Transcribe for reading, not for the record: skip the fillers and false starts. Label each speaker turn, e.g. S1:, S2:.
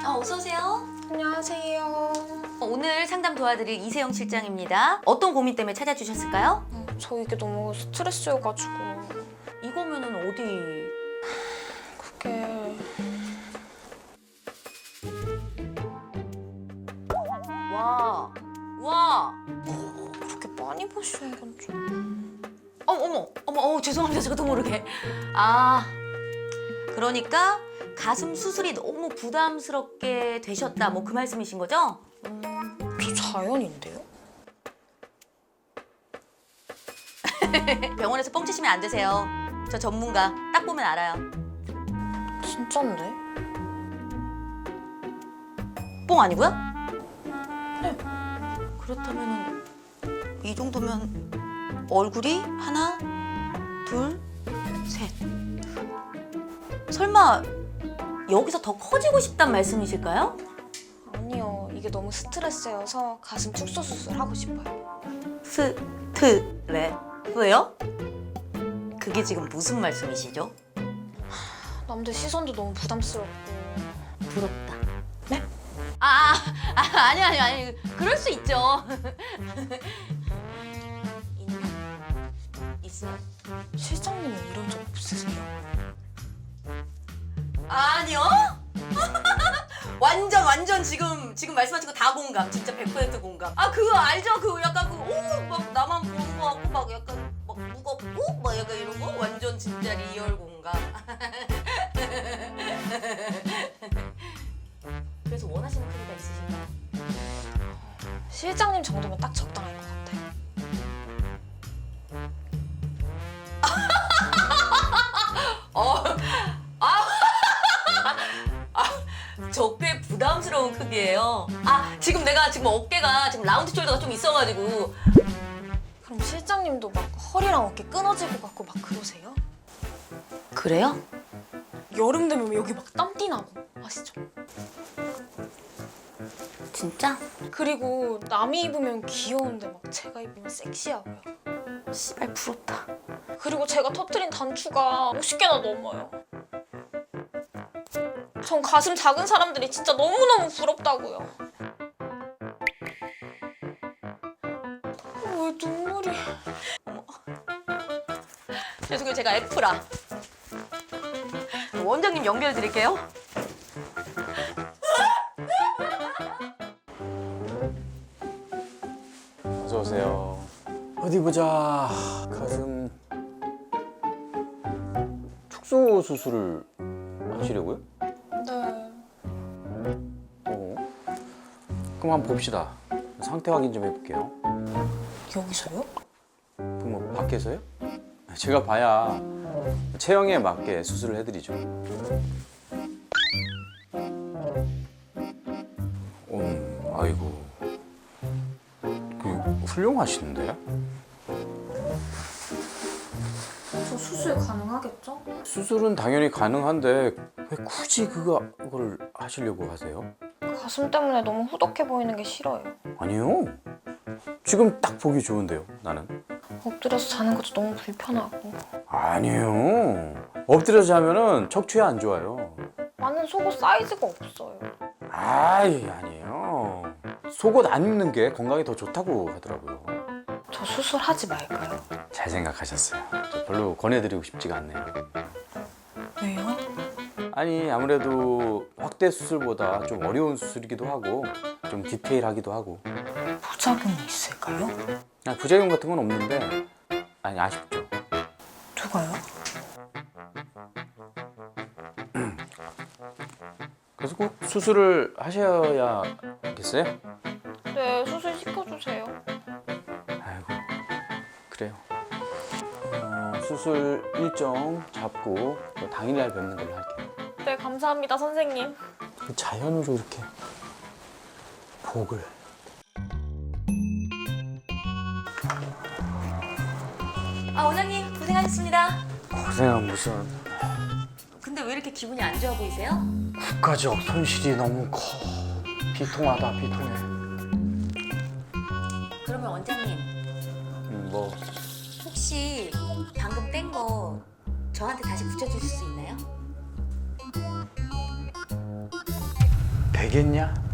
S1: 어서 오세요.
S2: 안녕하세요.
S1: 오늘 상담 도와드릴 이세영 실장입니다. 어떤 고민 때문에 찾아주셨을까요?
S2: 저 이게 너무 스트레스여가지고
S1: 이거면은 어디?
S2: 그게
S1: 와.
S2: 그렇게 많이 보시는 건 좀...
S1: 어머, 죄송합니다. 저도 모르게. 그러니까 가슴 수술이 너무 부담스럽게 되셨다. 뭐 그 말씀이신 거죠?
S2: 저 자연인데요?
S1: 병원에서 뻥치시면 안 되세요. 저 전문가. 딱 보면 알아요.
S2: 진짠데?
S1: 뻥 아니고요?
S2: 네.
S1: 그렇다면 이 정도면 얼굴이 하나, 둘, 셋. 설마 여기서 더 커지고 싶단 말씀이실까요?
S2: 아니요, 이게 너무 스트레스여서 가슴 축소 수술 하고 싶어요.
S1: 스트레스요? 그게 지금 무슨 말씀이시죠?
S2: 남들 시선도 너무 부담스럽고.
S1: 부럽다.
S2: 네?
S1: 아니. 그럴 수 있죠. 있어요?
S2: 실장님은 이런 적 없으세요?
S1: 아니요? 완전 지금 말씀하신 거 다 공감. 진짜 100% 공감. 그거 알죠? 그거 약간 막 나만 보는 거 같고 막 약간 막 무겁고 막 약간 이런 거 완전 진짜 리얼 공감. 그래서 원하시는 크기가 있으신가요?
S2: 실장님 정도면 딱 적당할 것 같아요.
S1: 저 꽤 부담스러운 크기예요. 내가 지금 어깨가 지금 라운드 숄더가 좀 있어가지고.
S2: 그럼 실장님도 막 허리랑 어깨 끊어질 것 같고 막 그러세요?
S1: 그래요?
S2: 여름 되면 여기 막 땀띠 나고 아시죠?
S1: 진짜?
S2: 그리고 남이 입으면 귀여운데 막 제가 입으면 섹시하고요.
S1: 씨발 부럽다.
S2: 그리고 제가 터트린 단추가 50개나 넘어요. 전 가슴 작은 사람들이 진짜 너무너무 부럽다고요. 왜 눈물이...
S1: 죄송해요, 제가 F라. 원장님 연결 드릴게요.
S3: 어서 오세요. 어디 보자. 가슴 축소 수술을 하시려고요?
S2: 네...
S3: 그럼 한번 봅시다. 상태 확인 좀 해볼게요.
S2: 여기서요?
S3: 그럼 뭐 밖에서요? 제가 봐야 체형에 맞게 수술을 해드리죠. 아이고, 훌륭하시는데?
S2: 저 수술 가능하겠죠?
S3: 수술은 당연히 가능한데 왜 굳이 그걸 하시려고 하세요?
S2: 가슴 때문에 너무 후덕해 보이는 게 싫어요.
S3: 아니요. 지금 딱 보기 좋은데요, 나는.
S2: 엎드려서 자는 것도 너무 불편하고.
S3: 아니에요. 엎드려서 자면은 척추에 안 좋아요.
S2: 나는 속옷 사이즈가 없어요.
S3: 아니에요. 속옷 안 입는 게 건강에 더 좋다고 하더라고요.
S2: 저 수술하지 말까요?
S3: 잘 생각하셨어요. 저 별로 권해드리고 싶지가 않네요.
S2: 왜요?
S3: 아니, 아무래도 확대 수술보다 좀 어려운 수술이기도 하고 좀 디테일하기도 하고.
S2: 부작용이 있을까요?
S3: 부작용 같은 건 없는데 아쉽죠.
S2: 누가요?
S3: 그래서 꼭 수술을 하셔야겠어요?
S2: 네, 수술 시켜주세요.
S3: 아이고, 그래요. 수술 일정 잡고 당일날 뵙는 걸로 할게요.
S2: 네, 감사합니다, 선생님.
S3: 자연으로 이렇게 복을.
S1: 원장님 고생하셨습니다.
S3: 고생은 무슨.
S1: 근데 왜 이렇게 기분이 안 좋아 보이세요?
S3: 국가적 손실이 너무 커. 비통하다, 비통해.
S1: 그러면 원장님
S3: 뭐
S1: 혹시 방금 뗀 거 저한테 다시 붙여주실 수 있나요?
S3: 되겠냐?